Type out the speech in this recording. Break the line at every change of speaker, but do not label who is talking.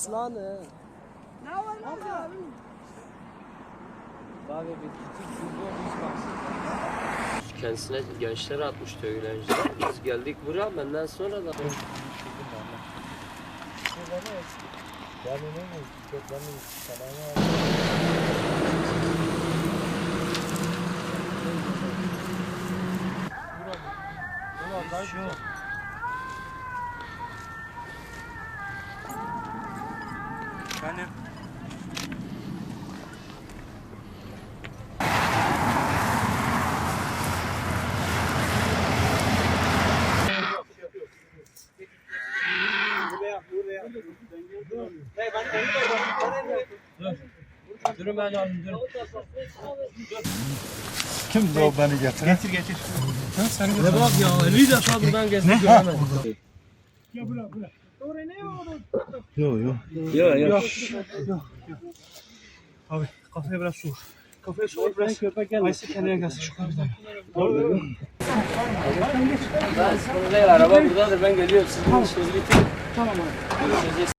aslanı.
Ne var abi?
Abi bir küçük futbol hiç baksın.
Kendisine gençler atmıştı öğrenciler. Biz geldik buraya benden sonra da.
Yani
Durun ben alayım durun.
kimdi o beni getiren? Getir.
Ne bak ya 50 defa buradan gezdik göremedim.
Yok. Abi kafaya biraz su. Kafaya su biraz. Ayşe kendine gelsin şu kapıdan.
Ben sıkıntı değil araba buradadır ben geliyorum sizin işinizi bitirin. Tamam abi.